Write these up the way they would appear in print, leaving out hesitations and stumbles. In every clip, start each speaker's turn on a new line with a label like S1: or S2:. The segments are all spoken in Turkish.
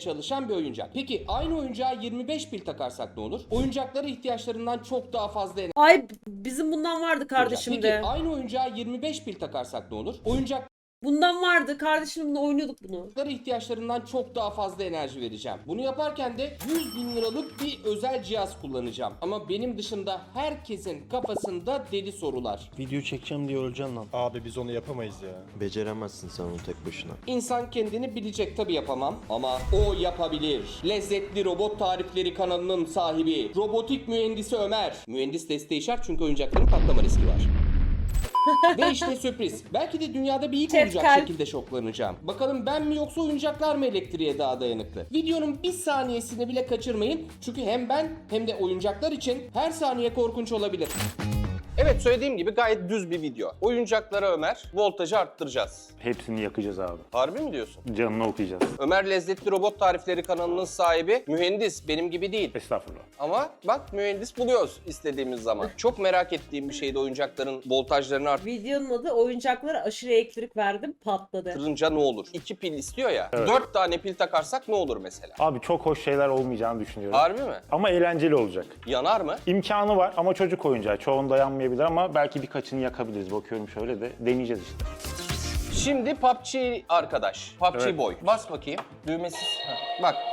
S1: çalışan bir oyuncak. Peki aynı oyuncağa 25 pil takarsak ne olur? Oyuncaklara ihtiyaçlarından çok daha fazla enerji
S2: Ay bizim bundan vardı kardeşim
S1: Peki
S2: de.
S1: aynı oyuncağa 25 pil takarsak ne olur? Oyuncaklara
S2: Bundan vardı kardeşimle oynuyorduk bunu.
S1: ihtiyaçlarından çok daha fazla enerji vereceğim. Bunu yaparken de 100 bin liralık bir özel cihaz kullanacağım. Ama benim dışında herkesin kafasında deli sorular.
S3: Video çekeceğim diye öleceksin lan.
S4: Abi biz onu yapamayız ya.
S3: Beceremezsin sen onu tek başına.
S1: İnsan kendini bilecek, tabi yapamam ama o yapabilir. Lezzetli Robot Tarifleri kanalının sahibi, robotik mühendisi Ömer. Mühendis desteği şart çünkü oyuncakların patlama riski var. Ve işte sürpriz. Belki de dünyada bir ilk
S2: Chat
S1: olacak
S2: kalp.
S1: şekilde şoklanacağım. Bakalım ben mi yoksa oyuncaklar mı elektriğe daha dayanıklı? Videonun bir saniyesini bile kaçırmayın. Çünkü hem ben hem de oyuncaklar için her saniye korkunç olabilir. Evet, söylediğim gibi gayet düz bir video. Oyuncaklara Ömer, voltajı arttıracağız.
S5: Hepsini yakacağız abi.
S1: Harbi mi diyorsun?
S5: Canını okuyacağız.
S1: Ömer Lezzetli Robot Tarifleri kanalının sahibi, mühendis, benim gibi değil.
S5: Estağfurullah.
S1: Ama bak mühendis buluyoruz istediğimiz zaman. Çok merak ettiğim bir şeydi oyuncakların voltajlarını
S2: Videonun adı oyuncaklara aşırı elektrik verdim patladı.
S1: arttırınca ne olur? 2 pil istiyor ya. 4 tane pil takarsak ne olur mesela?
S5: Abi çok hoş şeyler olmayacağını düşünüyorum.
S1: Harbi mi?
S5: Ama eğlenceli olacak.
S1: Yanar mı?
S5: İmkanı var ama çocuk oyuncağı. Çoğunda yanmayabilir ama belki birkaçını yakabiliriz. Bakıyorum şöyle de deneyeceğiz işte.
S1: Şimdi PUBG arkadaş. PUBG
S5: Evet.
S1: Boy. Bas bakayım. Düğmesiz. Heh, bak.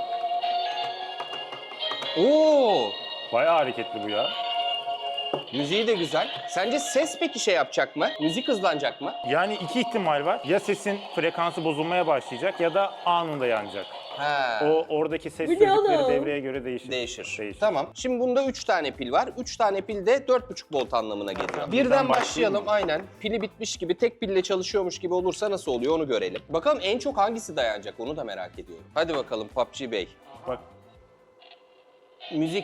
S1: Oo!
S5: Bayağı hareketli bu ya.
S1: Müziği de güzel. Sence ses peki şey yapacak mı? Müzik hızlanacak mı?
S5: Yani iki ihtimal var. Ya sesin frekansı bozulmaya başlayacak ya da anında yanacak.
S1: He.
S5: O oradaki ses
S2: Bu ne
S5: sözcükleri
S2: oğlum?
S5: devreye göre değişir.
S1: Değişir. Tamam. Şimdi bunda 3 tane pil var. 3 tane pil de 4,5 volt anlamına geliyor. Birden başlayalım. Aynen. Pili bitmiş gibi, tek pille çalışıyormuş gibi olursa nasıl oluyor onu görelim. Bakalım en çok hangisi dayanacak onu da merak ediyorum. Hadi bakalım PUBG Bey.
S5: Bak
S1: Müzik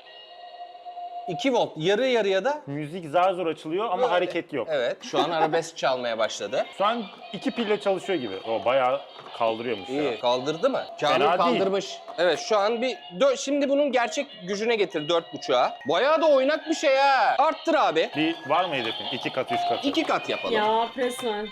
S1: 2 volt. Yarı yarıya da
S5: müzik zar zor açılıyor ama
S1: böyle.
S5: hareket yok.
S1: Evet. Şu an arabesk çalmaya başladı.
S5: Şu an iki pille çalışıyor gibi. O bayağı kaldırıyormuş ya.
S1: İyi. Kaldırdı mı? Kamil
S5: Fena değil.
S1: kaldırmış. Evet, şu an bir şimdi bunun gerçek gücüne getir 4,5'a. Bayağı da oynak bir şey ha. Arttır abi.
S5: Bir var mı hedefin? 2 kat, 3 kat.
S1: 2 kat yapalım.
S2: Ya resmen.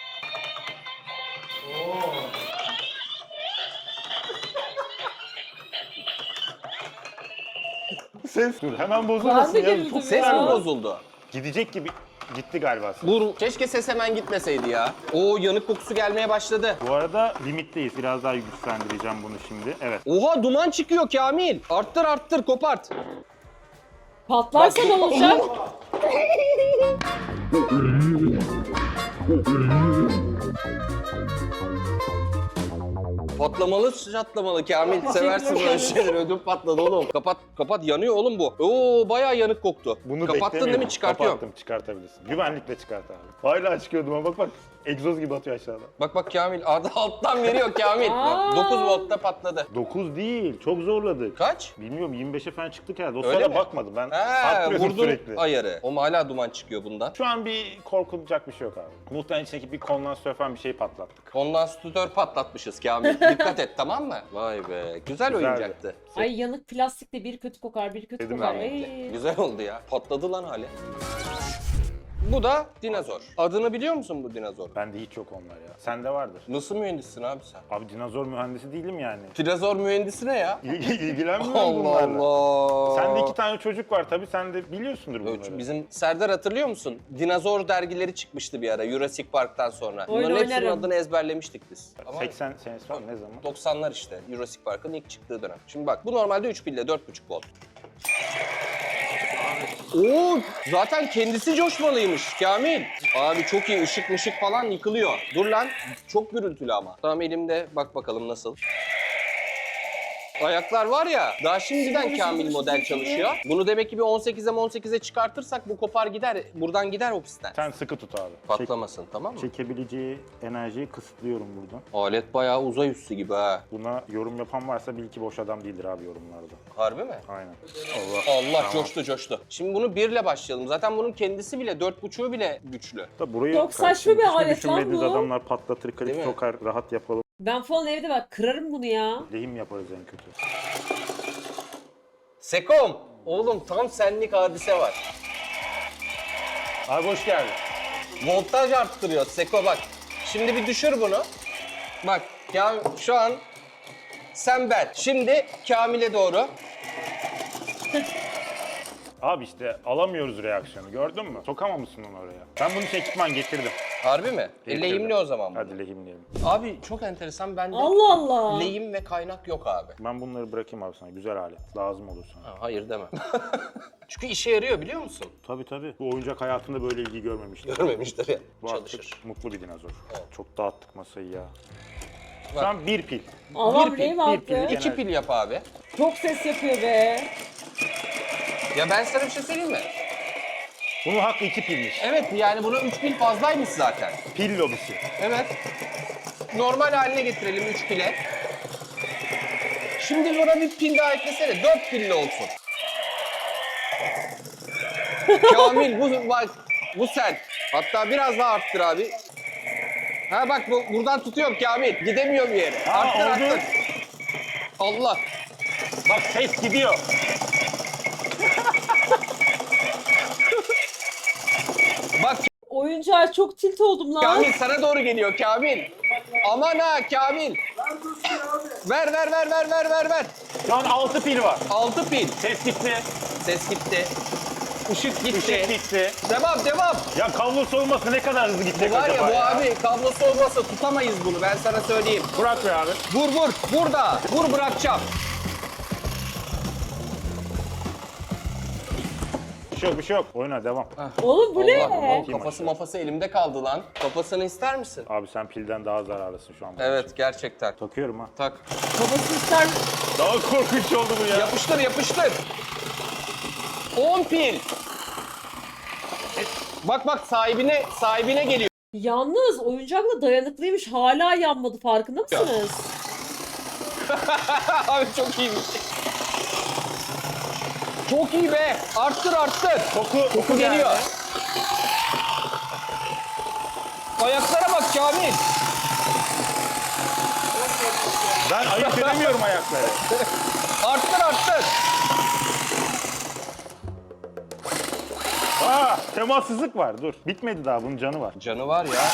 S5: Ses dur hemen
S2: Ben
S5: bozulmasın
S2: de
S5: ya.
S2: güldüm
S5: Çok
S1: Ses
S2: ya.
S1: mi bozuldu?
S5: gidecek gibi gitti galiba.
S1: Keşke ses hemen gitmeseydi ya. Oo, yanık kokusu gelmeye başladı.
S5: Bu arada limitteyiz. Biraz daha güçlendireceğim bunu şimdi. Evet.
S1: Oha, duman çıkıyor Kamil. Arttır arttır, kopart.
S2: Patlarsa ne olacak?
S1: Patlamalı çatlamalı Kamil. Seversin böyle şeyleri. Ödüm patladı oğlum. Kapat kapat, yanıyor oğlum bu. Oo, bayağı yanık koktu.
S5: Bunu
S1: Kapattın değil mi?
S5: beklemiyordum.
S1: Çıkartıyorum.
S5: Kapattım, çıkartabilirsin. Güvenlikle çıkart abi. Hala çıkıyordum ama bak egzoz gibi atıyor aşağıda.
S1: Bak bak Kamil, alttan veriyor Kamil.
S2: Aa.
S1: 9 voltta patladı.
S5: 9 değil, çok zorladık.
S1: Kaç?
S5: Bilmiyorum 25'e falan çıktık herhalde. O
S1: Öyle
S5: sırada
S1: mi?
S5: bakmadım ben.
S1: He,
S5: Arttırıyordum
S1: vurdun
S5: sürekli.
S1: ayarı. O hala duman çıkıyor bundan.
S5: Şu an bir korkulacak bir şey yok abi. Muhtemelen içindeki bir kondansatör falan bir şey patlattık.
S1: Kondansatör patlatmışız Kamil. Dikkat et, tamam mı? Vay be. Güzel
S5: Güzeldi.
S1: oyuncaktı.
S2: Ay yanık plastik de bir kötü kokar, bir kötü
S5: Dedim
S2: kokar.
S5: ben
S2: Ay.
S1: Güzel oldu ya. Patladı lan hali. Bu da dinozor. Adını biliyor musun bu dinozor?
S5: Bende hiç yok onlar ya. Sende vardır.
S1: Nasıl mühendissin abi sen?
S5: Abi dinozor mühendisi değilim yani.
S1: Dinozor mühendisi ne ya?
S5: İlgilenmiyorum
S1: Allah
S5: bunlarla.
S1: Allah.
S5: Sende 2 tane çocuk var tabii sen de biliyorsundur bunları.
S1: Bizim Serdar, hatırlıyor musun? Dinozor dergileri çıkmıştı bir ara Jurassic Park'tan sonra.
S2: Oyun
S1: Bunların hepsinin
S2: oynarım.
S1: adını ezberlemiştik biz. Ama
S5: 80 senesi var mı? Ne zaman?
S1: 90'lar işte Jurassic Park'ın ilk çıktığı dönem. Şimdi bak, bu normalde 3 pille 4,5 volt. Oo, zaten kendisi coşmalıymış Kamil. Abi çok iyi, ışık mışık falan yıkılıyor. Dur lan, çok gürültülü ama. Tamam, elimde, bak bakalım nasıl. Ayaklar var ya, daha şimdiden Kamil model çalışıyor. Bunu demek ki bir 18'e çıkartırsak bu kopar gider, buradan gider ofisten.
S5: Sen sıkı tut abi.
S1: Patlamasın, tamam mı?
S5: Çekebileceği enerjiyi kısıtlıyorum buradan.
S1: Alet bayağı uzay üstü gibi ha.
S5: Buna yorum yapan varsa bil ki boş adam değildir abi yorumlarda.
S1: Harbi mi?
S5: Aynen.
S1: Allah,
S5: Tamam.
S1: coştu. Şimdi bunu 1 ile başlayalım. Zaten bunun kendisi bile 4,5'u bile güçlü.
S5: Da burayı
S2: Çok saçma bir
S5: hiç mi
S2: alet lan
S5: düşünmediğiniz
S2: bu.
S5: adamlar patlatır,
S1: Değil
S5: klip
S1: mi?
S5: sokar, rahat yapalım.
S2: Ben falan evde bak kırarım bunu ya.
S5: Lehim yaparız en kötü.
S1: Sekom, oğlum tam senlik hadise var.
S5: Abi hoş geldin.
S1: Voltaj arttırıyor Seko, bak. Şimdi bir düşür bunu. Bak ya, şu an sen ben. Şimdi Kamil'e doğru.
S5: Abi işte alamıyoruz reaksiyonu, gördün mü? Sokamamışsın onu oraya. Ben bunun için ekipman getirdim.
S1: Harbi mi?
S5: Getirdim.
S1: Lehimli o zaman bu.
S5: Hadi lehimleyelim.
S1: Abi çok enteresan, bende
S2: Allah Allah.
S1: lehim ve kaynak yok abi.
S5: Ben bunları bırakayım abi sana. Güzel alet. Lazım olur sana.
S1: Ha, hayır deme. Çünkü işe yarıyor, biliyor musun?
S5: Tabii tabii. Bu oyuncak hayatında böyle ilgi görmemiştim.
S1: Görmemiştir ya.
S5: Bu
S1: Çalışır.
S5: artık mutlu bir dinozor. Çok dağıttık masayı ya.
S1: Bak.
S5: Şu an bir pil.
S2: Allah'ım
S1: pil,
S2: neyim
S5: bir
S2: attı?
S5: pil.
S1: 2 pil yap abi.
S2: Çok ses yapıyor be.
S1: Ya ben sana bir şey söyleyeyim mi?
S5: Bunun hakkı 2 pilmiş.
S1: Evet, yani buna 3 pil fazlaymış zaten.
S5: Pil lobisi.
S1: Evet. Normal haline getirelim 3 pile. Şimdi buna bir pil daha eklesene. 4 pilli olsun. Kamil bu sen. Hatta biraz daha arttır abi. Ha bak buradan tutuyorum Kamil. Gidemiyor bir yere.
S5: Ha,
S1: Arttır
S5: oldu.
S1: arttır. Allah.
S5: Bak ses gidiyor.
S1: Bak
S2: Oyuncağa çok tilt oldum lan.
S1: Kamil sana doğru geliyor Kamil. Aman ha Kamil. Ver. Ver.
S5: Şu an 6 pil var.
S1: 6 pil.
S5: Ses gitti.
S1: Ses gitti. Işık gitti.
S5: Işık gitti.
S1: Devam.
S5: Ya kablosu olmasa ne kadar hızlı gidecek
S1: Var
S5: acaba
S1: ya bu abi kablosu olmasa tutamayız bunu, ben sana söyleyeyim.
S5: Bırak be abi.
S1: Vur. Burada. Vur, bırakacağım.
S5: Bir şey yok. Oyuna devam.
S2: Oğlum bu ne?
S1: Allah, kafası mafası elimde kaldı lan. Kafasını ister misin?
S5: Abi sen pilden daha zararlısın şu an.
S1: Evet, gerçekten.
S5: Takıyorum ha.
S1: Tak.
S2: Babası ister.
S5: Daha korkunç oldu bu ya.
S1: Yapıştır. 10 pil. Bak sahibine geliyor.
S2: Yalnız oyuncakla dayanıklıymış. Hala yanmadı. Farkında mısınız?
S1: Abi çok iyiymiş. Çok iyi be. Arttır.
S5: Koku
S1: Geliyor. Ayaklara bak Kamil.
S5: Ben ayırt edemiyorum ayakları.
S1: Arttır.
S5: Temassızlık var. Dur. Bitmedi daha. Bunun canı var.
S1: Canı var ya.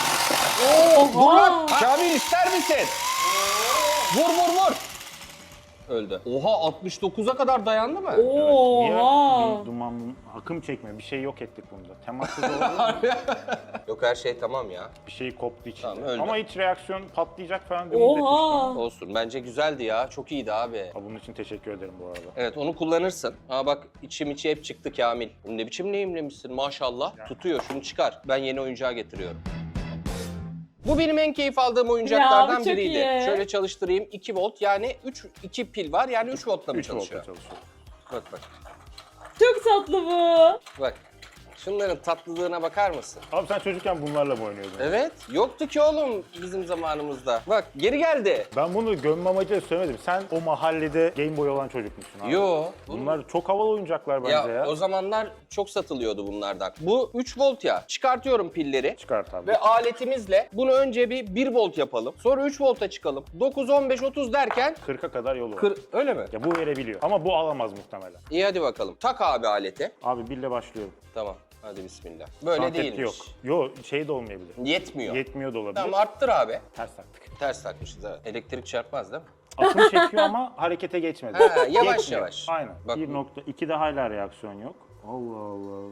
S2: Oha.
S1: Kamil ister misin? Vur. Öldü. Oha, 69'a kadar dayandı mı?
S5: Niye
S2: Oha.
S5: bir duman, akım çekme? Bir şey yok ettik bunda. Temassız oldu.
S1: Yok, her şey tamam ya.
S5: Bir şey koptu içinde.
S1: Tamam, öldü.
S5: Ama hiç reaksiyon patlayacak falan bir müddet
S2: Oha.
S1: Olsun, bence güzeldi ya. Çok iyiydi abi.
S5: Bunun için teşekkür ederim bu arada.
S1: Evet, onu kullanırsın. Ha bak, içi hep çıktı Kamil. Bunu ne biçim neyimlemişsin maşallah. Tutuyor, şunu çıkar. Ben yeni oyuncağı getiriyorum. Bu benim en keyif aldığım oyuncaklardan
S2: Ya, bu çok
S1: biriydi.
S2: iyi.
S1: Şöyle çalıştırayım. 2 volt, yani 2 pil var, yani 3 voltla mı
S5: 3 voltla
S1: çalışıyor?
S5: çalışıyor.
S1: Bak.
S2: Çok tatlı bu.
S1: Bak. Şunların tatlılığına bakar mısın?
S5: Abi sen çocukken bunlarla mı oynuyordun?
S1: Evet. Yoktu ki oğlum bizim zamanımızda. Bak, geri geldi.
S5: Ben bunu gömme amacıyla söylemedim. Sen o mahallede Game Boy olan çocukmuşsun abi.
S1: Yo.
S5: Bunlar çok havalı oyuncaklar bence ya.
S1: O zamanlar çok satılıyordu bunlardan. Bu 3 volt ya. Çıkartıyorum pilleri.
S5: Çıkart abi.
S1: Ve aletimizle bunu önce bir 1 volt yapalım. Sonra 3 volta çıkalım. 9, 15, 30 derken
S5: 40'a kadar yolu var.
S1: öyle mi?
S5: Ya bu verebiliyor. Ama bu alamaz muhtemelen.
S1: İyi, hadi bakalım. Tak abi aleti.
S5: Abi birle başlıyorum.
S1: Tamam. Hadi bismillah. Böyle
S5: Konsepti
S1: değilmiş.
S5: yok. Yo şey de olmayabilir.
S1: Yetmiyor.
S5: Yetmiyor da olabilir.
S1: Tamam, arttır abi.
S5: Ters taktık.
S1: Ters takmışız, evet. Elektrik çarpmaz değil mi?
S5: Akım çekiyor ama harekete geçmedi.
S1: Ha, yavaş
S5: Geçmiyor.
S1: yavaş.
S5: Aynen.
S1: Bak-
S5: 1.2'de hala reaksiyon yok. Allah Allah.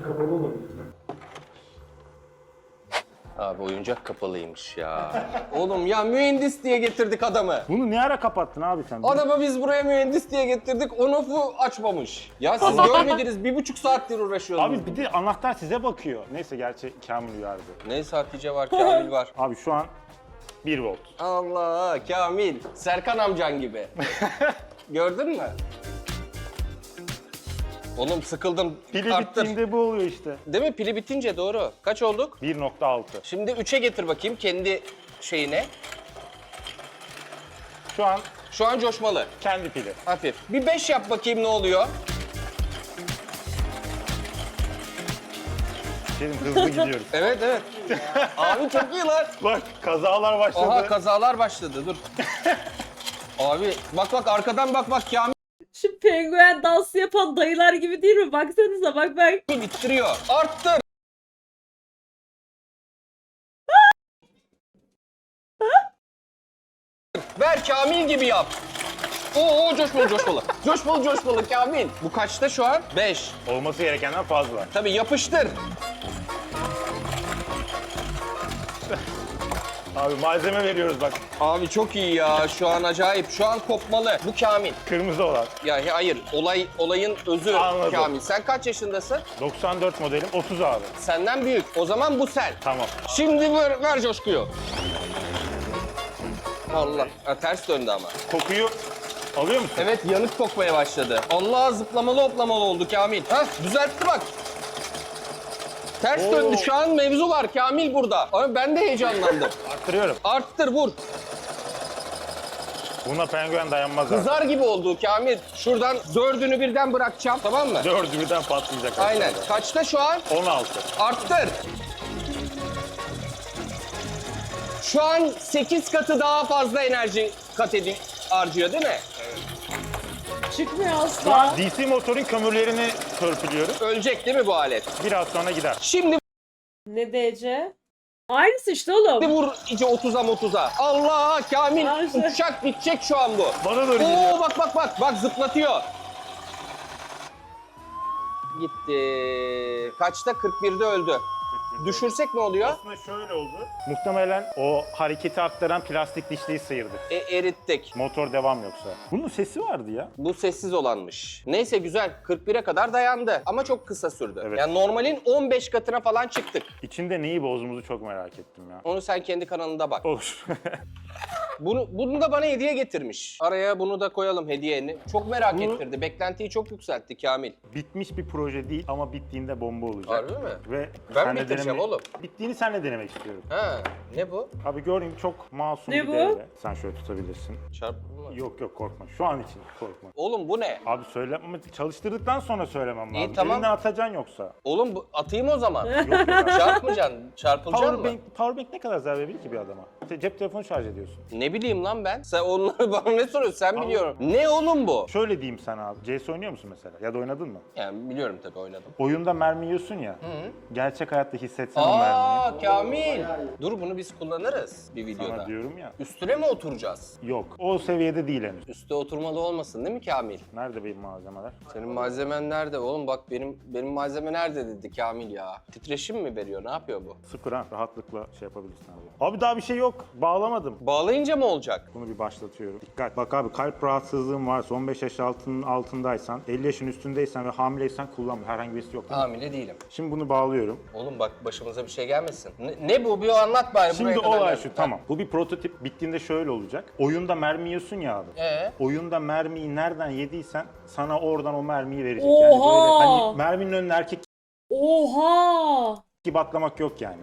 S1: Abi oyuncak kapalıymış ya. Oğlum ya, mühendis diye getirdik adamı.
S5: Bunu ne ara kapattın abi sen?
S1: Adamı biz buraya mühendis diye getirdik, on-off'u açmamış. Ya siz görmediniz, 1,5 saattir uğraşıyoruz.
S5: Abi bir de anahtar size bakıyor. Neyse gerçi Kamil uyardı.
S1: Neyse, Hatice var, Kamil var.
S5: Abi şu an 1 volt.
S1: Allah, Kamil. Serkan amcan gibi. Gördün mü? Oğlum sıkıldım.
S5: Pili
S1: Arttır.
S5: bittiğinde bu oluyor işte.
S1: Değil mi? Pili bitince doğru. Kaç olduk?
S5: 1.6.
S1: Şimdi 3'e getir bakayım kendi şeyine.
S5: Şu an
S1: Şu an coşmalı.
S5: kendi pili.
S1: Hafif. Bir 5 yap bakayım, ne oluyor?
S5: Dedim hızlı gidiyoruz.
S1: Evet. Abi çok iyi lan.
S5: Bak kazalar başladı.
S1: Aha, kazalar başladı, dur. Abi bak arkadan bak Kamil
S2: Şu penguen dansı yapan dayılar gibi değil mi? Baksanıza bak.
S1: ittiriyor. Arttır. Ver Kamil gibi yap. Oo coşmalı coşmalı. Coşmalı coşmalı Kamil. Bu kaçta şu an? 5.
S5: Olması gerekenden fazla.
S1: Tabii yapıştır.
S5: Abi malzeme veriyoruz bak.
S1: Abi çok iyi ya. Şu an acayip. Şu an kopmalı. Bu Kamil.
S5: Kırmızı olan.
S1: Ya hayır. Olayın özü
S5: Anladım.
S1: Kamil. Sen kaç yaşındasın?
S5: 94 modelim 30 abi.
S1: Senden büyük. O zaman bu sen.
S5: Tamam.
S1: Şimdi ver coşkuyu. Allah. Ha, ters döndü ama.
S5: Kokuyu alıyor musun?
S1: Evet yanık kokmaya başladı. Allah zıplamalı hoplamalı oldu Kamil. Hah düzeltti bak. Ters
S5: Oo.
S1: döndü. Şu an mevzu var Kamil burada. Ama ben de heyecanlandım.
S5: Arttırıyorum.
S1: Arttır vur.
S5: Buna penguen dayanmaz abi.
S1: Kızar gibi oldu Kamil. Şuradan 4'ünü birden bırakacağım. Tamam mı?
S5: 4'ü birden patlayacak.
S1: Aynen.
S5: aşağıda.
S1: Kaçta şu an?
S5: 16.
S1: Arttır. Şu an 8 katı daha fazla enerji harcıyor değil mi?
S2: Çıkmıyor
S5: Şu
S2: asla.
S5: an DC motorun kömürlerini törpülüyoruz.
S1: Ölecek değil mi bu alet?
S5: Biraz sonra gider.
S1: Şimdi
S2: Ne DC? Aynısı işte oğlum.
S1: vur iyice 30'a. Allah Kamil
S2: Ay, şey.
S1: uçak bitecek şu an bu.
S5: Bana doğru geliyor.
S1: Oo bak zıplatıyor. Gitti. Kaçta? 41'de öldü. Düşürsek ne oluyor?
S5: Aslında şöyle oldu. Muhtemelen o hareketi aktaran plastik dişliği sıyırdı.
S1: Erittik.
S5: Motor devam yoksa. Bunun sesi vardı ya.
S1: Bu sessiz olanmış. Neyse güzel. 41'e kadar dayandı. Ama çok kısa sürdü.
S5: Evet.
S1: Yani normalin 15 katına falan çıktık.
S5: İçinde neyi bozduğumuzu çok merak ettim ya.
S1: Onu sen kendi kanalında bak.
S5: Olur.
S1: Bunu da bana hediye getirmiş. Araya bunu da koyalım hediyeni. Çok merak
S5: Bu-
S1: ettirdi. Beklentiyi çok yükseltti Kamil.
S5: Bitmiş bir proje değil ama bittiğinde bomba olacak.
S1: Harbi mi?
S5: Ve
S1: Ben
S5: senle
S1: bitireceğim oğlum.
S5: Bittiğini senle denemek istiyorum.
S1: Ha, ne bu?
S5: Abi göreyim çok masum
S2: Ne
S5: bir
S2: bu?
S5: devre. Sen şöyle tutabilirsin.
S1: Çarpma mı?
S5: Yok korkma. Şu an için korkma.
S1: Oğlum bu ne?
S5: Abi söyle ama çalıştırdıktan sonra söylemem
S1: İyi,
S5: lazım.
S1: tamam.
S5: Elinden atacaksın yoksa.
S1: Oğlum bu atayım o zaman.
S5: Yok yok abi.
S1: Çarpmayacaksın. Çarpılacaksın mı?
S5: Powerbank ne kadar zarar verebilir ki bir adama? Cep telefonu şarj ediyorsun.
S1: Ne bileyim lan ben. Sen onları bana ne soruyorsun? Sen biliyorum. Ne oğlum bu?
S5: Şöyle diyeyim sana abi. CS oynuyor musun mesela? Ya da oynadın mı?
S1: Yani biliyorum tabii oynadım.
S5: Oyunda mermi yiyorsun ya. Gerçek hayatta hissetsen o mermiyi.
S1: Aa Kamil. Dur bunu biz kullanırız bir videoda.
S5: Sana diyorum ya.
S1: Üstüne mi oturacağız?
S5: Yok. O seviyede değil henüz.
S1: Üste oturmalı olmasın değil mi Kamil?
S5: Nerede benim malzemeler?
S1: Senin malzemen nerede? Oğlum bak benim malzeme nerede dedi Kamil ya. Titreşim mi veriyor? Ne yapıyor bu?
S5: Sıfır ha. Rahatlıkla şey yapabilirsin abi. Abi daha bir şey yok. Bağlamadım.
S1: Bağlayınca mı olacak?
S5: Bunu bir başlatıyorum. Dikkat. Bak abi kalp rahatsızlığın varsa 15 yaş altındaysan, 50 yaşın üstündeysen ve hamileysen kullanma. Herhangi birisi yok değil mi?
S1: Hamile değilim.
S5: Şimdi bunu bağlıyorum.
S1: Oğlum bak başımıza bir şey gelmesin. Ne bu? Bir anlat bari.
S5: Şimdi
S1: buraya kadar
S5: olay
S1: geldik.
S5: şu tamam. Bu bir prototip. Bittiğinde şöyle olacak. Oyunda mermi yiyorsun ya abi. Oyunda mermiyi nereden yediysen sana oradan o mermiyi verecek. Yani böyle
S2: Oha!
S5: hani merminin önüne erkek
S2: Oha!
S5: gibi atlamak yok yani.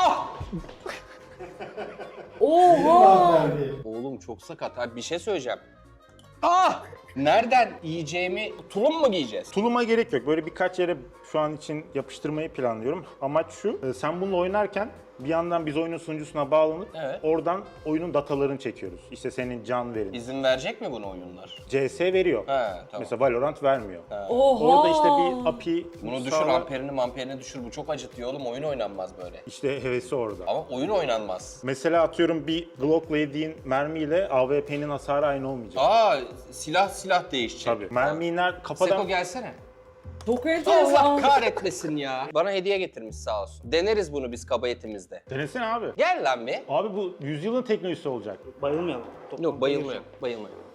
S2: Oha!
S1: Oğlum çok sakat. Abi bir şey söyleyeceğim. Nereden yiyeceğimi tulum mu giyeceğiz?
S5: Tuluma gerek yok. Böyle birkaç yere şu an için yapıştırmayı planlıyorum. Amaç şu. Sen bununla oynarken bir yandan biz oyunun sunucusuna bağlanıp
S1: Evet.
S5: oradan oyunun datalarını çekiyoruz. İşte senin can verin.
S1: İzin verecek mi bunu oyunlar?
S5: CS veriyor.
S1: He tamam.
S5: Mesela Valorant vermiyor.
S2: Oha!
S5: Orada işte bir API
S1: Bunu düşür,
S5: sağla-
S1: amperini düşür. Bu çok acıtıyor oğlum. Oyun oynanmaz böyle.
S5: İşte hevesi orada.
S1: Ama oyun oynanmaz.
S5: Mesela atıyorum bir Glock'la yediğin mermiyle AWP'nin hasarı aynı olmayacak.
S1: Silah değişecek.
S5: Tabii. Mermiyi kafadan...
S1: Seko gelsene.
S2: Çok
S1: Allah
S2: enteresan.
S1: kahretmesin ya. Bana hediye getirmiş sağ olsun. Deneriz bunu biz kabayetimizde.
S5: Denesene abi.
S1: Gel lan bir.
S5: Abi bu yüzyılın teknolojisi olacak.
S4: Bayılmayalım.
S1: Yok bayılma yok. Bayılma yok.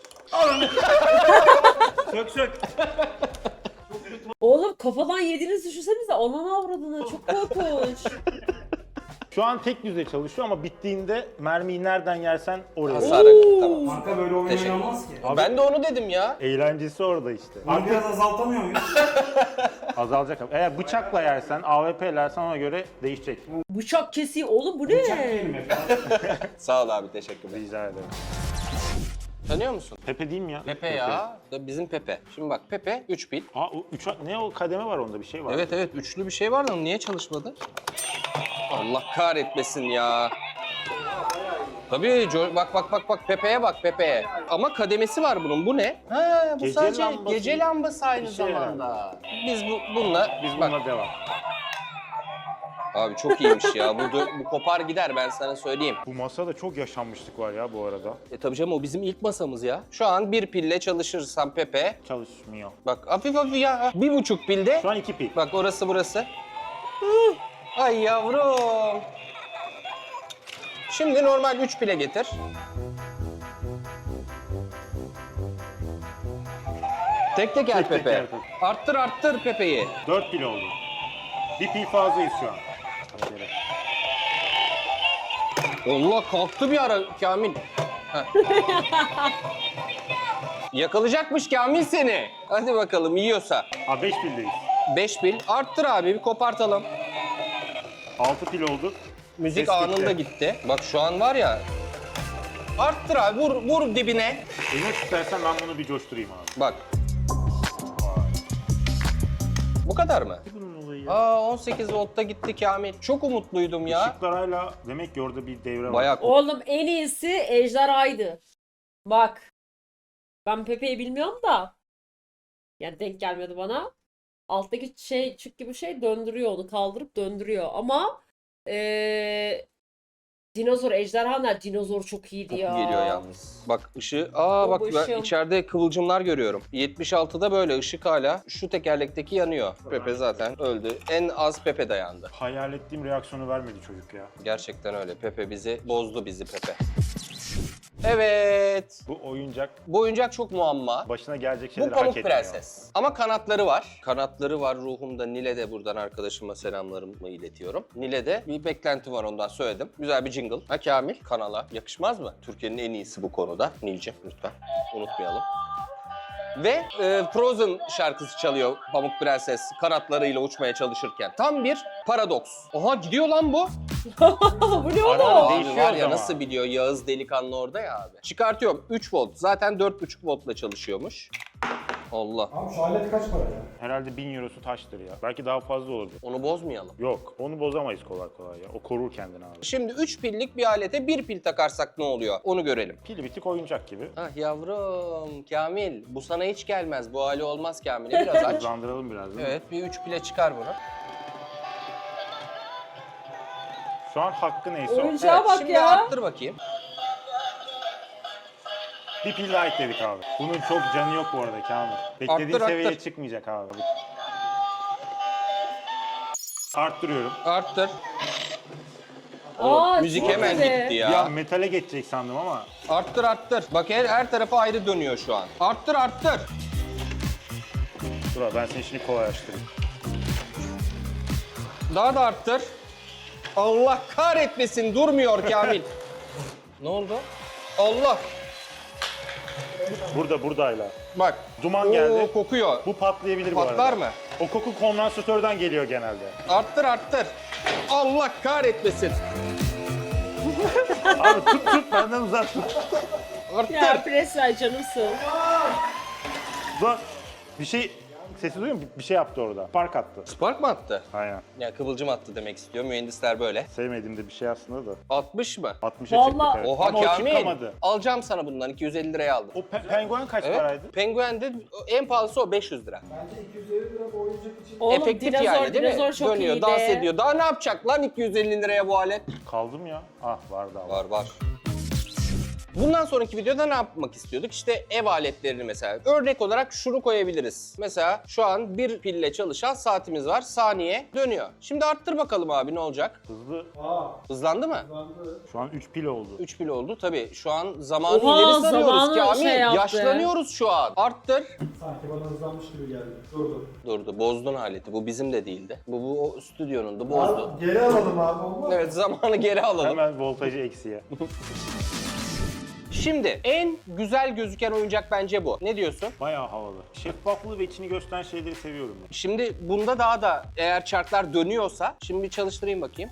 S5: Sök.
S2: Oğlum kafadan yediğinizi düşünsenize. Ananı avradını. Çok korkunç.
S5: Şu an tek düzey çalışıyor ama bittiğinde mermiyi nereden yersen oraya.
S1: Hasar akıttı tamam.
S4: Kanka böyle oyun
S1: Teşekkür-
S4: oynanmaz ki.
S5: Abi-
S1: Ben de onu dedim ya.
S5: Eğlencesi orada işte.
S4: Bunu biraz azaltamıyor muyuz?
S5: Azalacak. Eğer bıçakla yersen, AWP yersen ona göre değişecek.
S2: Bıçak kesiyor. Oğlum bu
S4: Bıçak
S2: ne?
S4: yiyelim efendim.
S1: Sağ ol abi teşekkürler.
S5: Rica ederim.
S1: Tanıyor musun?
S5: Pepe değil mi ya?
S1: Pepe ya. Bizim Pepe. Şimdi bak Pepe 3 pil.
S5: Ne o kademe var onda bir şey var.
S1: Evet üçlü bir şey var da niye çalışmadı? Allah kahretmesin ya. Tabii bak Pepe'ye bak Pepe'ye. Ama kademesi var bunun. Bu ne? Ha bu
S5: Gece
S1: sadece
S5: lambası
S1: gece lambası aynı
S5: bir şey
S1: zamanda. Biz bununla
S5: Biz
S1: bak,
S5: bununla devam.
S1: Abi çok iyiymiş ya. Bu kopar gider, ben sana söyleyeyim.
S5: Bu masada çok yaşanmışlık var ya bu arada.
S1: Tabii canım, o bizim ilk masamız ya. Şu an bir pille çalışırsan Pepe.
S5: Çalışmıyor.
S1: Bak hafif hafif ya. 1,5 pilde.
S5: Şu an 2 pil.
S1: Bak orası burası. Ay yavrum. Şimdi normal 3 pile getir. Tek tek el Pepe.
S5: teker.
S1: Arttır Pepe'yi.
S5: 4 pil oldu. Bir pil fazlayız şu an.
S1: Allah, kalktı bir ara Kamil. Heh. Yakalayacakmış Kamil seni. Hadi bakalım, yiyorsa.
S5: 5 pildeyiz.
S1: 5 pil. Arttır abi, bir kopartalım.
S5: 6 pil oldu.
S1: Müzik
S5: Ses
S1: anında gitti. Bak şu an var ya. Arttır abi, vur dibine.
S5: Eline tutarsan ben bunu bir coşturayım abi.
S1: Bak. Bu kadar mı?
S5: Bunun olayı ya.
S1: Aa, 18 voltta gitti Kamil. Çok umutluydum ya.
S5: Işıklar hala demek ki orada bir devre var.
S1: Bayağı
S2: Oğlum en iyisi ejderhaydı. Bak. Ben Pepe'yi bilmiyorum da. Yani denk gelmedi bana. Alttaki şey, çık gibi şey döndürüyor onu. Kaldırıp döndürüyor. Ama dinozor, ejderhalar, dinozor çok iyiydi
S1: çok
S2: ya.
S1: geliyor yalnız. Bak ışığı. Aa bak, ben
S2: Babacığım.
S1: içeride kıvılcımlar görüyorum. 76'da böyle ışık hala. Şu tekerlekteki yanıyor. Pepe zaten öldü. En az Pepe dayandı.
S5: Hayal ettiğim reaksiyonu vermedi çocuk ya.
S1: Gerçekten öyle. Pepe bozdu bizi Pepe. Evet.
S5: Bu oyuncak
S1: Bu oyuncak çok muamma.
S5: başına gelecek
S1: Bu
S5: şeyleri hak
S1: Pamuk
S5: etmiyor.
S1: Prenses. Ama kanatları var. Kanatları var ruhumda. Nile de buradan arkadaşıma selamlarımı iletiyorum. Nile'de bir beklenti var, ondan söyledim. Güzel bir jingle. Ha Kamil, kanala yakışmaz mı? Türkiye'nin en iyisi bu konuda. Nilce lütfen unutmayalım. Ve Frozen şarkısı çalıyor Pamuk Prenses kanatlarıyla uçmaya çalışırken. Tam bir paradoks. Oha, gidiyor lan bu.
S2: Bu ne
S5: Ara
S2: oğlum?
S5: ara
S1: Abi
S5: değişiyor
S1: var ya,
S5: ama.
S1: nasıl biliyor Yağız delikanlı orada ya abi. Çıkartıyorum 3 volt. Zaten 4,5 voltla çalışıyormuş. Allah.
S4: Abi şu alet kaç para ya?
S5: Herhalde 1000 eurosu taştır ya. Belki daha fazla olabilir.
S1: Onu bozmayalım.
S5: Yok, onu bozamayız kolay kolay ya. O korur kendini abi.
S1: Şimdi 3 pillik bir alete 1 pil takarsak ne oluyor? Onu görelim.
S5: Pil bitik oyuncak gibi.
S1: Ah yavrum Kamil, bu sana hiç gelmez. Bu hali olmaz Kamil'e, biraz aç.
S5: Hızlandıralım biraz değil mi?
S1: Evet, bir 3 pile çıkar bunu.
S5: Şu an hakkı neyse o.
S2: Oyuncağa bak
S1: Şimdi
S2: ya.
S1: arttır bakayım.
S5: Bir pil daha ekledik abi. Bunun çok canı yok bu arada Kamil. Beklediğin
S1: Arttır,
S5: seviyeye
S1: arttır.
S5: çıkmayacak abi. Arttırıyorum.
S1: Arttır.
S2: Aa,
S1: Müzik
S2: çok
S1: hemen
S2: güzel.
S1: gitti
S5: Bir
S1: ya.
S5: an metale geçecek sandım ama.
S1: Arttır. Bak her tarafı ayrı dönüyor şu an. Arttır.
S5: Dur abi, ben seni şimdi kolaylaştırayım.
S1: Daha da arttır. Allah kahretmesin, durmuyor Kamil. Ne oldu? Allah.
S5: Burada hala.
S1: Bak.
S5: Duman geldi.
S1: Oo, kokuyor.
S5: Bu patlayabilir bu arada.
S1: Patlar mı?
S5: O koku kondansatörden geliyor genelde.
S1: Arttır. Allah kahretmesin.
S5: Abi tut benden uzak tut.
S1: Arttır.
S2: Ya Presler canımsın.
S5: Lan bir şey sesi duyuyor musun? Bir şey yaptı orada. Park attı.
S1: Spark mı attı?
S5: Aynen.
S1: Ya kıvılcım attı demek istiyor. Mühendisler böyle.
S5: Sevmediğim de bir şey aslında da.
S1: 60 mı?
S5: 60'a çıktık
S2: Vallahi-
S5: evet.
S1: Oha
S5: Ama o
S1: Kamil.
S5: çıkamadı.
S1: Alacağım sana bundan. 250 liraya aldım.
S5: O penguen kaç
S1: Evet.
S5: paraydı?
S1: Penguen'de en pahalısı o 500 lira.
S4: Bence 250 lira bu oyuncak için.
S2: Oğlum
S1: Efektif
S2: dinozor,
S1: yani değil mi?
S2: dinozor çok
S1: Dönüyor,
S2: iyiydi.
S1: dans ediyor. Daha ne yapacak lan 250 liraya bu alet?
S5: Kaldım ya. Ah var daha var.
S1: Var. Bundan sonraki videoda ne yapmak istiyorduk? İşte ev aletlerini mesela. Örnek olarak şunu koyabiliriz. Mesela şu an bir pille çalışan saatimiz var. Saniye dönüyor. Şimdi arttır bakalım abi, ne olacak?
S5: Hızlı.
S1: Hızlandı mı?
S5: Şu an 3 pil oldu.
S1: 3 pil oldu. Tabii şu an zamanı
S2: Oha,
S1: ileri sarıyoruz
S2: zamanı
S1: Kamil.
S2: şey yaptı.
S1: Yaşlanıyoruz şu an. Arttır.
S4: Sanki bana hızlanmış gibi geldi. Durdu.
S1: Durdu. Bozdun aleti. Bu bizim de değildi. Bu o stüdyonun da bozdu.
S4: Abi, geri alalım abi, olmaz.
S1: Evet, zamanı geri alalım.
S5: Hemen voltajı eksiye.
S1: Şimdi en güzel gözüken oyuncak bence bu. Ne diyorsun?
S5: Bayağı havalı. Şeffaflığı ve içini gösteren şeyleri seviyorum ben.
S1: Şimdi bunda daha da eğer çarklar dönüyorsa, şimdi bir çalıştırayım bakayım.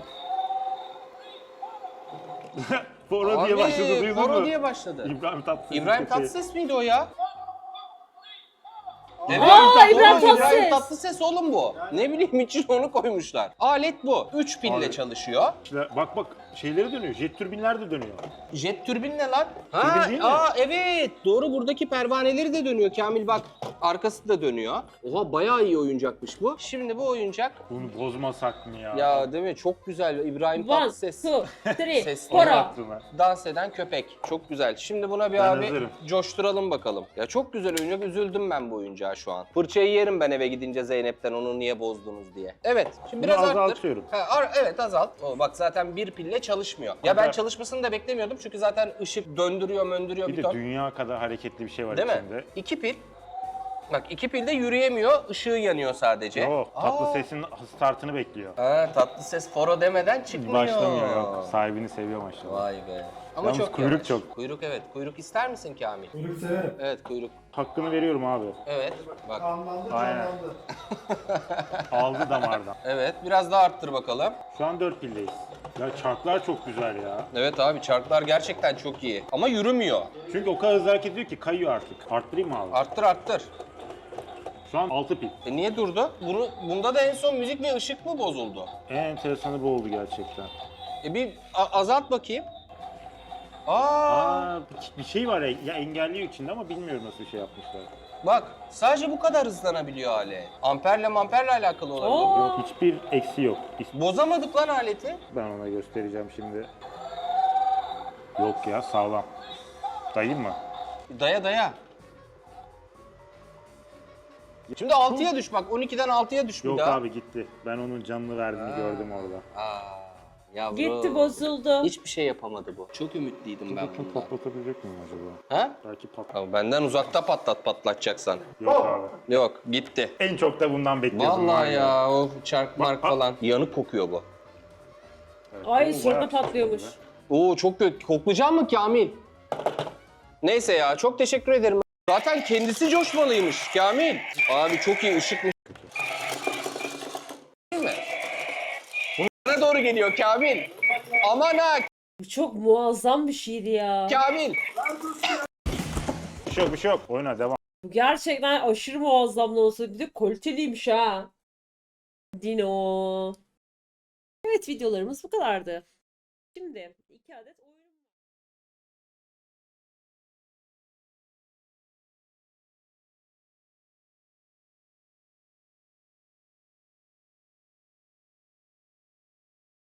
S5: Foro diye başladı, duydun mu?
S1: Foro diye başladı.
S5: İbrahim Tatlıses.
S1: İbrahim Tatlıses miydi o ya?
S5: İbrahim
S2: İbrahim
S1: İbrahim
S2: Tatlıses.
S1: Tatlıses oğlum bu. Ne bileyim için onu koymuşlar. Alet bu. 3 pille
S5: Abi.
S1: çalışıyor.
S5: İşte bak şeyleri dönüyor. Jet türbinler de dönüyor.
S1: Jet türbin ne lan?
S5: Türbin değil mi?
S1: Evet. Doğru, buradaki pervaneleri de dönüyor Kamil, bak. Arkası da dönüyor. Oha, bayağı iyi oyuncakmış bu. Şimdi bu oyuncak.
S5: Bunu bozmasak mı ya?
S1: Ya değil mi? Çok güzel. İbrahim
S2: One,
S1: Tatlıses.
S2: two, three,
S1: Sesli
S2: four.
S5: Aklıma.
S1: Dans eden köpek. Çok güzel. Şimdi buna bir
S5: Ben
S1: abi
S5: hazırım.
S1: coşturalım bakalım. Ya çok güzel oyuncak. Üzüldüm ben bu oyuncağa şu an. Fırçayı yerim ben eve gidince Zeynep'ten, onu niye bozdunuz diye. Evet. Şimdi
S5: Bunu
S1: biraz arttır.
S5: azaltıyorum.
S1: Evet, azalt. Bak zaten bir pille çalışmıyor. Ya ben
S5: Hatta-
S1: çalışmasını da beklemiyordum çünkü zaten ışık döndürüyor, möndürüyor
S5: Bir
S1: bir
S5: de
S1: ton.
S5: dünya kadar hareketli bir şey var
S1: Değil mi?
S5: içinde.
S1: 2 pil. Bak 2 pilde yürüyemiyor, ışığı yanıyor sadece.
S5: Yok, tatlı sesin startını bekliyor.
S1: Tatlıses foro demeden çıkmıyor.
S5: Başlamıyor yok. Sahibini seviyor maşallah.
S1: Vay be. Ama
S5: Yalnız
S1: çok
S5: kuyruk
S1: yavaş.
S5: çok.
S1: Kuyruk, evet. Kuyruk ister misin Kamil?
S4: Kuyruk severim.
S1: Evet, kuyruk.
S5: Hakkını veriyorum abi.
S1: Evet. Bak.
S4: Kanlandı,
S5: Aynen.
S4: canlandı.
S5: Aldı damardan.
S1: Evet, biraz daha arttır bakalım.
S5: Şu an 4 pildeyiz. Ya çarklar çok güzel ya.
S1: Evet abi, çarklar gerçekten çok iyi. Ama yürümüyor.
S5: Çünkü o kadar hızlı hareket ediyor ki kayıyor artık. Arttırayım mı abi?
S1: Arttır arttır.
S5: Şu an 6 pil.
S1: Niye durdu? Bunda da en son müzik ve ışık mı bozuldu?
S5: En enteresanı bu oldu gerçekten.
S1: Bir azalt bakayım. Aa,
S5: Bir şey var ya engelliyor içinde ama bilmiyorum nasıl bir şey yapmışlar.
S1: bak sadece bu kadar hızlanabiliyor alet. Amperle alakalı olabilir.
S2: Aa.
S5: Yok hiçbir eksi yok.
S1: Bozamadık lan aleti.
S5: Ben ona göstereceğim şimdi. Yok ya sağlam. Dayayım mı?
S1: Daya. Şimdi 6'ya düş bak. 12'den 6'ya düş bir
S5: Yok
S1: daha.
S5: abi gitti. Ben onun canını verdiğini gördüm orada.
S1: Yavrum.
S2: Gitti, bozuldu.
S1: Hiçbir şey yapamadı bu. Çok ümitliydim ben
S5: Bakın
S1: bundan.
S5: patlatabilecek miyim acaba?
S1: Ha?
S5: Belki
S1: Abi benden uzakta patlatacaksan.
S5: Yok abi.
S1: Yok, gitti.
S5: En çok da bundan bekliyordum. var
S1: Vallahi ya, o çark mark
S5: bak.
S1: falan. Yanık kokuyor bu.
S5: Evet,
S2: Ay
S5: bu
S2: sonra
S5: bayağı
S2: patlıyormuş.
S1: Oo, çok kötü. Koklayacak mı Kamil? Neyse ya, çok teşekkür ederim. Zaten kendisi coşmalıymış Kamil. Abi çok iyi, ışıkmış. Değil mi? Bu bana doğru geliyor Kamil. Aman ha
S2: Bu çok muazzam bir şeydi ya.
S1: Kamil.
S5: Bir şey yok. Oyna devam.
S2: Bu gerçekten aşırı muazzam da olsa bir de kaliteliymiş ha. Dino. Evet, videolarımız bu kadardı. Şimdi 2 adet oyun